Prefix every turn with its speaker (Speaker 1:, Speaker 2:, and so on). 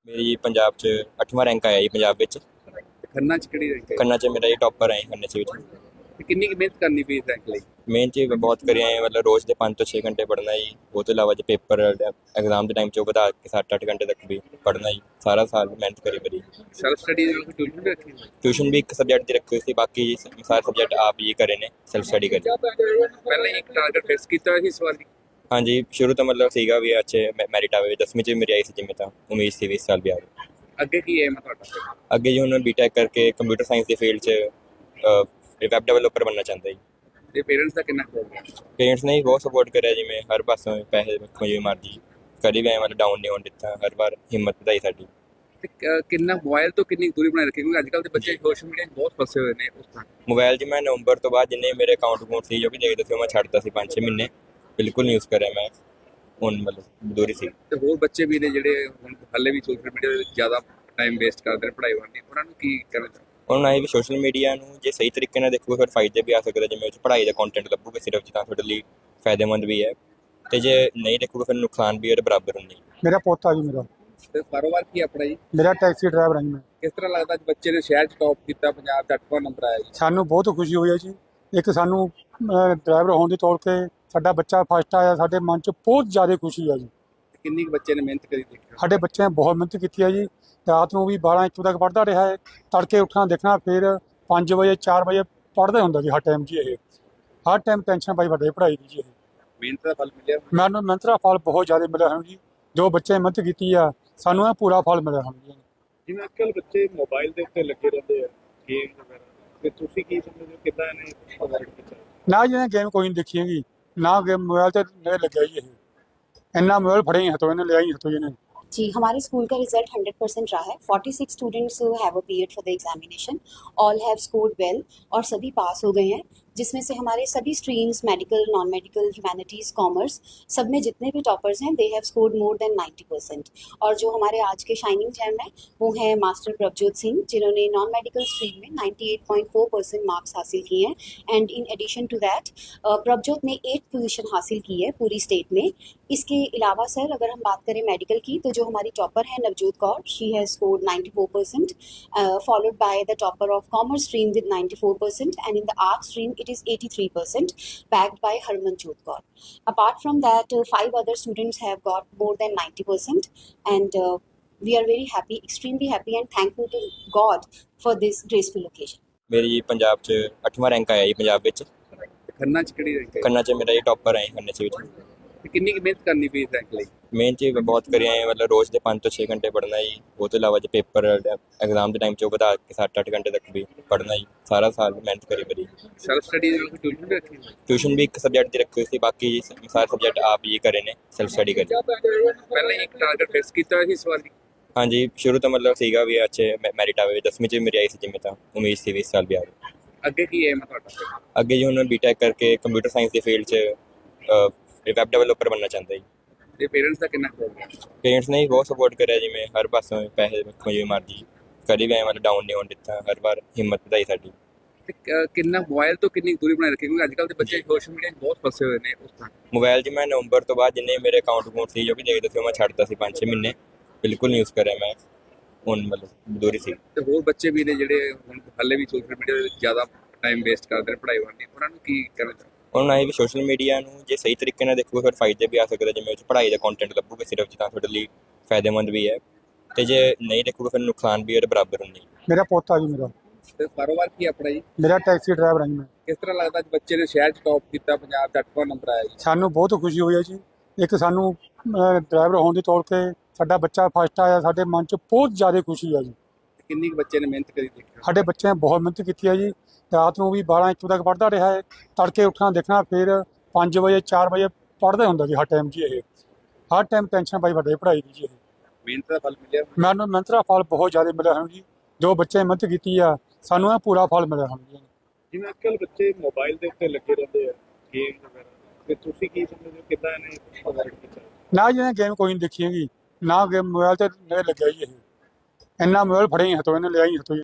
Speaker 1: ਮੇਰੀ ਪੰਜਾਬ 'ਚ 8ਵਾਂ ਰੈਂਕ ਆਇਆ ਜੀ ਪੰਜਾਬ ਵਿੱਚ।
Speaker 2: ਖੰਨਾ ਚ ਕਿਹੜੀ ਰੈਂਕ ਹੈ
Speaker 1: ਖੰਨਾ 'ਚ ਮੇਰਾ ਜੀ ਟੌਪਰ ਆਇਆ ਖੰਨੇ 'ਚ ਵਿੱਚ।
Speaker 2: ਤੇ ਕਿੰਨੀ ਕੁ ਮਿਹਨਤ ਕਰਨੀ ਪਈ ਇਸ ਰੈਂਕ ਲਈ?
Speaker 1: ਮਿਹਨਤ ਜੀ ਬਹੁਤ ਕਰੀ ਆਏ, ਮਤਲਬ ਰੋਜ਼ ਦੇ 5 ਤੋਂ 6 ਘੰਟੇ ਪੜ੍ਹਨਾ ਜੀ। ਉਹ ਤੋਂ ਇਲਾਵਾ ਜੇ ਪੇਪਰ ਐਗਜ਼ਾਮ ਦੇ ਟਾਈਮ 'ਚ ਉਹ ਵਧਾ ਕੇ 7-8 ਘੰਟੇ ਤੱਕ ਵੀ ਪੜ੍ਹਨਾ ਜੀ। ਸਾਰਾ ਸਾਲ ਮਿਹਨਤ ਕਰੀ ਮੇਰੀ।
Speaker 2: ਸੈਲਫ ਸਟੱਡੀ ਦੀ ਟਿਊਸ਼ਨ ਵੀ ਰੱਖੀ ਹੋਈ?
Speaker 1: ਟਿਊਸ਼ਨ ਵੀ ਇੱਕ ਸਬਜੈਕਟ ਦੀ ਰੱਖੀ ਹੋਈ ਸੀ, ਬਾਕੀ ਸਾਰੇ ਸਬਜੈਕਟ ਆਪ ਹੀ ਕਰੇ ਨੇ, ਸੈਲਫ ਸਟੱਡੀ ਕਰੀ।
Speaker 2: ਪਹਿਲਾਂ ਹੀ ਇੱਕ ਟਾਰਗੇਟ ਫਿਕਸ ਕੀਤਾ ਹੋਇਆ ਸੀ ਇਸ ਵਾਰ ਦੀ?
Speaker 1: ਹਾਂਜੀ, ਸ਼ੁਰੂ ਤੋਂ ਮਤਲਬ ਸੀਗਾ ਵੀ ਅੱਛੇ ਮੈਰਿਟ ਆਵੇ। 10ਵੀਂ 'ਚ ਮੇਰੀ ਆਈ ਸੀ, ਜਿਵੇਂ ਤਾਂ ਉਮੀਦ ਸੀ ਵੀ ਇਸ ਸਾਲ ਵੀ ਆਵੇ।
Speaker 2: ਅੱਗੇ ਕੀ ਏਮ ਹੈ ਤੁਹਾਡਾ?
Speaker 1: ਅੱਗੇ ਜੀ ਹੁਣ ਬੀਟੈਕ ਕਰਕੇ ਕੰਪਿਊਟਰ ਸਾਇੰਸ ਦੀ ਫੀਲਡ 'ਚ ਵੈਬ ਡਿਵੈਲਪਰ ਬਣਨਾ ਚਾਹੁੰਦਾ ਜੀ।
Speaker 2: ਤੇ ਪੇਰੈਂਟਸ ਦਾ ਕਿੰਨਾ ਹੋ ਗਿਆ?
Speaker 1: ਪੇਰੈਂਟਸ ਨੇ ਬਹੁਤ ਸਪੋਰਟ ਕਰਿਆ, ਜਿਵੇਂ ਹਰ ਪਾਸੋਂ ਪੈਸੇ ਰੱਖੋ ਜਿਵੇਂ ਮਰਜ਼ੀ, ਕਦੀ ਵੀ ਮਤਲਬ ਡਾਊਨ ਨਹੀਂ ਹੋਣ ਦਿੱਤਾ। ਹਰ ਵਾਰ ਹਿੰਮਤ ਵਧਾਈ ਸਾਡੀ।
Speaker 2: ਤੇ ਕਿੰਨਾ ਮੋਬਾਈਲ ਤੋਂ ਕਿੰਨੀ ਦੂਰੀ ਬਣਾਈ ਰੱਖੀ? ਕਿਉਂਕਿ ਅੱਜ ਕੱਲ੍ਹ ਦੇ ਬੱਚੇ ਸੋਸ਼ਲ ਮੀਡੀਆ 'ਚ ਬਹੁਤ ਫਸੇ ਹੋਏ ਨੇ ਉਸ ਤਰ੍ਹਾਂ।
Speaker 1: ਮੋਬਾਈਲ 'ਚ ਮੈਂ ਨਵੰਬਰ ਤੋਂ ਬਾਅਦ ਜਿੰਨੇ ਮੇਰੇ ਅਕਾਊਂਟ ਸੀ ਜੋ ਵੀ ਦੇਖਦੇ ਸੀ, ਉਹ ਮੈਂ ਛੱਡਤਾ ਸੀ 5-6 ਮਹੀਨੇ। ਬਿਲਕੁਲ ਨਹੀਂ ਯੂਜ਼ ਕਰਿਆ ਮੈਂ, ਹੁਣ ਮਤਲਬ ਦੂਰੀ ਸੀ।
Speaker 2: ਤੇ ਹੋਰ ਬੱਚੇ ਵੀ ਨੇ ਜਿਹੜੇ ਹੁਣ ਹਾਲੇ ਵੀ ਸੋਸ਼ਲ ਮੀਡੀਆ ਦੇ ਵਿੱਚ ਜ਼ਿਆਦਾ ਟਾਈਮ ਵੇਸਟ ਕਰਦੇ ਨੇ ਪੜ੍ਹਾਈ ਵੱਲ ਨਹੀਂ, ਉਹਨਾਂ ਨੂੰ ਕੀ ਕਰਨਾ ਚਾਹੀਦਾ?
Speaker 1: ਉਹਨਾਂ ਇਹ ਵੀ ਸੋਸ਼ਲ ਮੀਡੀਆ ਨੂੰ ਜੇ ਸਹੀ ਤਰੀਕੇ ਨਾਲ ਦੇਖੋਗੇ ਫਿਰ ਫਾਇਦੇ ਵੀ ਆ ਸਕਦੇ, ਜਿਵੇਂ ਉਹ 'ਚ ਪੜ੍ਹਾਈ ਦਾ ਕੰਟੈਂਟ ਲੱਭੋਗੇ ਸਿਰਫ, ਤਾਂ ਤੁਹਾਡੇ ਲਈ ਫਾਇਦੇਮੰਦ ਵੀ ਹੈ। ਤੇ ਜੇ ਨਹੀਂ ਦੇਖੋਗੇ ਫਿਰ ਨੁਕਸਾਨ ਵੀ ਉਹਦੇ ਬਰਾਬਰ ਹੁੰਦੀ।
Speaker 3: ਮੇਰਾ ਪੋਤਾ ਜੀ ਮੇਰਾ
Speaker 2: ਤੇ ਕਾਰੋਬਾਰ ਕੀ ਆਪਣਾ ਜੀ?
Speaker 3: ਮੇਰਾ ਟੈਕਸੀ ਡਰਾਈਵਰ ਹਾਂ ਜੀ ਮੈਂ।
Speaker 2: ਕਿਸ ਤਰ੍ਹਾਂ ਲੱਗਦਾ ਅੱਜ ਬੱਚੇ ਨੇ ਸ਼ਹਿਰ 'ਚ ਟੌਪ ਕੀਤਾ, ਪੰਜਾਬ 'ਚ 8ਵਾਂ ਨੰਬਰ ਆਇਆ ਜੀ?
Speaker 3: ਸਾਨੂੰ ਬਹੁਤ ਖੁਸ਼ੀ ਹੋਈ ਹੈ ਜੀ। ਇੱਕ ਸਾਨੂੰ ਡਰਾਈਵਰ ਹੋਣ ਦੇ ਤੌਰ ਤੇ ਸਾਡਾ ਬੱਚਾ ਫਸਟ ਆਇਆ, ਸਾਡੇ ਮਨ 'ਚ ਬਹੁਤ ਜ਼ਿਆਦਾ ਖੁਸ਼ੀ ਹੈ ਜੀ।
Speaker 2: ਕਿੰਨੀ ਕੁ ਬੱਚੇ ਨੇ ਮਿਹਨਤ ਕਰੀ ਦੇਖਿਆ?
Speaker 3: ਸਾਡੇ ਬੱਚਿਆਂ ਨੇ ਬਹੁਤ ਮਿਹਨਤ ਕੀਤੀ ਹੈ ਜੀ। ਰਾਤ ਨੂੰ ਵੀ 12-1 ਤੱਕ ਪੜ੍ਹਦਾ ਰਿਹਾ ਹੈ। ਤੜਕੇ ਉੱਠਣਾ ਦੇਖਣਾ, ਫਿਰ 5 ਵਜੇ 4 ਵਜੇ ਪੜ੍ਹਦਾ ਹੁੰਦਾ ਜੀ ਹਰ ਟਾਈਮ ਜੀ। ਇਹ ਹਰ ਟਾਈਮ ਟੈਨਸ਼ਨ ਪਾਈ ਵੱਡੇ ਪੜ੍ਹਾਈ ਦੀ ਜੀ। ਇਹ
Speaker 2: ਮਿਹਨਤ ਦਾ ਫਲ ਮਿਲਿਆ?
Speaker 3: ਮੈਨੂੰ ਮਿਹਨਤ ਦਾ ਫਲ ਬਹੁਤ ਜ਼ਿਆਦਾ ਮਿਲਿਆ ਹਨ ਜੀ। ਜੋ ਬੱਚੇ ਨੇ ਮਿਹਨਤ ਕੀਤੀ ਆ, ਸਾਨੂੰ ਇਹ ਪੂਰਾ ਫਲ ਮਿਲਿਆ ਹਨ ਜੀ।
Speaker 2: ਜਿਵੇਂ ਅੱਜਕੱਲ ਬੱਚੇ ਮੋਬਾਈਲ ਦੇ ਉੱਤੇ ਲੱਗੇ ਰਹਿੰਦੇ ਆ, ਗੇਮ ਵਗੈਰਾ, ਤੇ ਤੁਸੀਂ ਕੀ ਸਮਝਦੇ ਹੋ ਕਿੱਦਾਂ ਇਹਨੇ ਪ੍ਰਭਾਵਿਤ ਕੀਤਾ?
Speaker 3: ਨਾ ਜੀ ਇਹਨੇ ਗੇਮ ਕੋਈ ਨਹੀਂ ਦੇਖੀ ਹੈਗੀ, ਨਾ ਗੇਮ ਮੋਬਾਈਲ ਤੇ ਨਜ਼ਰ ਲੱਗਿਆ ਜੀ। ਇਹ ਇੰਨਾ ਮੋਬਾਈਲ ਫੜੇ ਹੀ ਹੱਥੋਂ, ਇਹਨੇ ਲਿਆ ਹੀ हथों ਇਹਨੇ।
Speaker 4: जी, हमारे स्कूल का रिजल्ट 100% रहा है। 46 students have appeared for the examination. All have scored well और सभी पास हो गए हैं, जिसमें से हमारे सभी streams medical, non medical, humanities, commerce, सब में जितने भी टॉपर्स हैं they have scored more than 90%। और जो हमारे आज के शाइनिंग जैम हैं वो हैं मास्टर प्रभजोत सिंह, जिन्होंने नॉन मेडिकल स्ट्रीम में 98.4% मार्क्स हासिल किए हैं। And in addition to that Prabhjot ने 8th पोजीशन हासिल की है पूरी स्टेट में। इसके अलावा सर अगर हम बात करें मेडिकल की, तो जो हमारी टॉपर है Navjot Kaur, she has scored 94%, followed by the topper of commerce stream with 94%, and in the art stream it is 83%, backed by Harmanjot Kaur. Apart from that, 5 other students have got more than 90%, and we are very happy, extremely happy and thankful to God for this graceful occasion.
Speaker 1: ਮੇਰੀ ਪੰਜਾਬ 'ਚ 8ਵਾਂ rank ਆਇਆ ਜੀ ਪੰਜਾਬ ਵਿੱਚ।
Speaker 2: ਖੰਨਾ ਚ ਕਿਹੜੀ rank ਹੈ?
Speaker 1: ਖੰਨਾ 'ਚ ਮੇਰਾ ਜੀ ਟੌਪਰ ਆਇਆ ਖੰਨੇ 'ਚ ਵਿੱਚ।
Speaker 2: ਤੇ ਕਿੰਨੀ ਕੁ ਮਿਹਨਤ ਕਰਨੀ ਪਈ ਇਸ ਰੈਂਕ ਲਈ?
Speaker 1: ਮਿਹਨਤ ਜੀ ਬਹੁਤ ਕਰੀ ਆਏ, ਮਤਲਬ ਰੋਜ਼ ਦੇ 5 ਤੋਂ 6 ਘੰਟੇ ਪੜ੍ਹਨਾ ਜੀ। ਉਹ ਤੋਂ ਇਲਾਵਾ ਜੇ ਪੇਪਰ ਐਗਜ਼ਾਮ ਦੇ ਟਾਈਮ 'ਚ ਉਹ ਵਧਾ ਕੇ 7-8 ਘੰਟੇ ਤੱਕ ਵੀ ਪੜ੍ਹਨਾ ਜੀ। ਸਾਰਾ ਸਾਲ ਮਿਹਨਤ ਕਰੀ ਮੇਰੀ।
Speaker 2: ਸੈਲਫ ਸਟੱਡੀ ਦੀ ਟਿਊਸ਼ਨ ਵੀ ਰੱਖੀ ਹੋਈ?
Speaker 1: ਟਿਊਸ਼ਨ ਵੀ ਇੱਕ ਸਬਜੈਕਟ ਦੀ ਰੱਖੀ ਹੋਈ ਸੀ, ਬਾਕੀ ਸਾਰੇ ਸਬਜੈਕਟ ਆਪ ਹੀ ਕਰੇ ਨੇ, ਸੈਲਫ ਸਟੱਡੀ ਕਰੀ।
Speaker 2: ਪਹਿਲਾਂ ਹੀ ਇੱਕ ਟਾਰਗੇਟ ਫਿਕਸ ਕੀਤਾ ਹੋਇਆ ਸੀ ਇਸ ਵਾਰ ਦੀ?
Speaker 1: ਹਾਂਜੀ, ਸ਼ੁਰੂ ਤੋਂ ਮਤਲਬ ਸੀਗਾ ਵੀ ਅੱਛੇ ਮੈਰਿਟ ਆਵੇ। 10ਵੀਂ 'ਚ ਮੇਰੀ ਆਈ ਸੀ, ਜਿਵੇਂ ਤਾਂ ਉਮੀਦ ਸੀ ਵੀ ਇਸ ਸਾਲ ਵੀ ਆਵੇ।
Speaker 2: ਅੱਗੇ ਕੀ ਏਮ ਹੈ ਤੁਹਾਡਾ?
Speaker 1: ਅੱਗੇ ਜੀ ਹੁਣ ਬੀਟੈਕ ਕਰਕੇ ਕੰਪਿਊਟਰ ਸਾਇੰਸ ਦੀ ਫੀਲਡ 'ਚ ਵੈਬ ਡਿਵੈਲਪਰ ਬਣਨਾ ਚਾਹੁੰਦਾ ਜੀ।
Speaker 2: ਤੇ ਪੇਰੈਂਟਸ ਦਾ ਕਿੰਨਾ ਹੋ ਗਿਆ?
Speaker 1: ਪੇਰੈਂਟਸ ਨੇ ਬਹੁਤ ਸਪੋਰਟ ਕਰਿਆ, ਜਿਵੇਂ ਹਰ ਪਾਸੋਂ ਪੈਸੇ ਰੱਖੋ ਜਿਵੇਂ ਮਰਜ਼ੀ, ਕਦੀ ਵੀ ਮਤਲਬ ਡਾਊਨ ਨਹੀਂ ਹੋਣ ਦਿੱਤਾ। ਹਰ ਵਾਰ ਹਿੰਮਤ ਵਧਾਈ ਸਾਡੀ।
Speaker 2: ਤੇ ਕਿੰਨਾ ਮੋਬਾਈਲ ਤੋਂ ਕਿੰਨੀ ਦੂਰੀ ਬਣਾਈ ਰੱਖੀ? ਕਿਉਂਕਿ ਅੱਜ ਕੱਲ੍ਹ ਦੇ ਬੱਚੇ ਸੋਸ਼ਲ ਮੀਡੀਆ 'ਚ ਬਹੁਤ ਫਸੇ ਹੋਏ ਨੇ ਉਸ ਤਰ੍ਹਾਂ।
Speaker 1: ਮੋਬਾਈਲ 'ਚ ਮੈਂ ਨਵੰਬਰ ਤੋਂ ਬਾਅਦ ਜਿੰਨੇ ਮੇਰੇ ਅਕਾਊਂਟ ਸੀ ਜੋ ਵੀ ਦੇਖਦੇ ਸੀ, ਉਹ ਮੈਂ ਛੱਡਤਾ ਸੀ 5-6 ਮਹੀਨੇ। ਬਿਲਕੁਲ ਨਹੀਂ ਯੂਜ਼ ਕਰਿਆ ਮੈਂ, ਹੁਣ ਮਤਲਬ ਦੂਰੀ ਸੀ।
Speaker 2: ਤੇ ਹੋਰ ਬੱਚੇ ਵੀ ਨੇ ਜਿਹੜੇ ਹੁਣ ਹਾਲੇ ਵੀ ਸੋਸ਼ਲ ਮੀਡੀਆ ਦੇ ਵਿੱਚ ਜ਼ਿਆਦਾ ਟਾਈਮ ਵੇਸਟ ਕਰਦੇ ਨੇ ਪੜ੍ਹਾਈ ਵੱਲ ਨਹੀਂ, ਉਹਨਾਂ ਨੂੰ ਕੀ ਕਰਨਾ ਚਾਹੀਦਾ?
Speaker 1: ਉਹਨਾਂ ਇਹ ਵੀ ਸੋਸ਼ਲ ਮੀਡੀਆ ਨੂੰ ਜੇ ਸਹੀ ਤਰੀਕੇ ਨਾਲ ਦੇਖੋਗੇ ਫਿਰ ਫਾਇਦੇ ਵੀ ਆ ਸਕਦੇ, ਜਿਵੇਂ ਉਹ 'ਚ ਪੜ੍ਹਾਈ ਦਾ ਕੰਟੈਂਟ ਲੱਭੋਗੇ ਸਿਰਫ, ਤਾਂ ਤੁਹਾਡੇ ਲਈ ਫਾਇਦੇਮੰਦ ਵੀ ਹੈ। ਤੇ ਜੇ ਨਹੀਂ ਦੇਖੋਗੇ ਫਿਰ ਨੁਕਸਾਨ ਵੀ ਉਹਦੇ ਬਰਾਬਰ ਹੁੰਦੀ।
Speaker 3: ਮੇਰਾ ਪੋਤਾ ਜੀ ਮੇਰਾ।
Speaker 2: ਤੇ ਕਾਰੋਬਾਰ ਕੀ ਆਪਣਾ ਜੀ?
Speaker 3: ਮੇਰਾ ਟੈਕਸੀ ਡਰਾਈਵਰ ਹਾਂ ਜੀ ਮੈਂ।
Speaker 2: ਕਿਸ ਤਰ੍ਹਾਂ ਲੱਗਦਾ ਅੱਜ ਬੱਚੇ ਨੇ ਸ਼ਹਿਰ 'ਚ ਟੌਪ ਕੀਤਾ, ਪੰਜਾਬ 'ਚ 8ਵਾਂ ਨੰਬਰ ਆਇਆ ਜੀ?
Speaker 3: ਸਾਨੂੰ ਬਹੁਤ ਖੁਸ਼ੀ ਹੋਈ ਹੈ ਜੀ। ਇੱਕ ਸਾਨੂੰ ਡਰਾਈਵਰ ਹੋਣ ਦੇ ਤੌਰ ਤੇ ਸਾਡਾ ਬੱਚਾ ਫਸਟ ਆਇਆ, ਸਾਡੇ ਮਨ 'ਚ ਬਹੁਤ ਜ਼ਿਆਦਾ ਖੁਸ਼ੀ ਹੈ ਜੀ।
Speaker 2: ਕਿੰਨੀ ਕੁ ਬੱਚੇ ਨੇ ਮਿਹਨਤ ਕਰੀ ਦੇਖਿਆ?
Speaker 3: ਸਾਡੇ ਬੱਚਿਆਂ ਨੇ ਬਹੁਤ ਮਿਹਨਤ ਕੀਤੀ ਹੈ ਜੀ। ਰਾਤ ਨੂੰ ਵੀ 12-1 ਤੱਕ ਪੜ੍ਹਦਾ ਰਿਹਾ ਹੈ। ਤੜਕੇ ਉੱਠਣਾ ਦੇਖਣਾ, ਫਿਰ 5 ਵਜੇ 4 ਵਜੇ ਪੜ੍ਹਦਾ ਹੁੰਦਾ ਜੀ ਹਰ ਟਾਈਮ ਜੀ। ਇਹ ਹਰ ਟਾਈਮ ਟੈਨਸ਼ਨ ਪਾਈ ਵੱਡੇ ਪੜ੍ਹਾਈ ਦੀ ਜੀ। ਇਹ
Speaker 2: ਮਿਹਨਤ ਦਾ ਫਲ ਮਿਲਿਆ?
Speaker 3: ਮੈਨੂੰ ਮਿਹਨਤ ਦਾ ਫਲ ਬਹੁਤ ਜ਼ਿਆਦਾ ਮਿਲਿਆ ਹਨ ਜੀ। ਜੋ ਬੱਚੇ ਨੇ ਮਿਹਨਤ ਕੀਤੀ ਆ, ਸਾਨੂੰ ਇਹ ਪੂਰਾ ਫਲ ਮਿਲਿਆ ਹਨ ਜੀ।
Speaker 2: ਜਿਵੇਂ ਅੱਜਕੱਲ ਬੱਚੇ ਮੋਬਾਈਲ ਦੇ ਉੱਤੇ ਲੱਗੇ ਰਹਿੰਦੇ ਆ, ਗੇਮ ਵਗੈਰਾ, ਤੇ ਤੁਸੀਂ ਕੀ ਸਮਝਦੇ ਹੋ ਕਿੱਦਾਂ ਇਹਨੇ ਪ੍ਰਭਾਵਿਤ ਕੀਤਾ?
Speaker 3: ਨਾ ਜੀ ਇਹਨੇ ਗੇਮ ਕੋਈ ਨਹੀਂ ਦੇਖੀ ਹੈਗੀ, ਨਾ ਗੇਮ ਮੋਬਾਈਲ ਤੇ ਨਜ਼ਰ ਲੱਗਿਆ ਜੀ। ਇਹ ਇੰਨਾ ਮੋਬਾਈਲ ਫੜੇ ਹੀ ਹੱਥੋਂ, ਇਹਨੇ ਲਿਆ ਹੀ ਹੱਥੋਂ।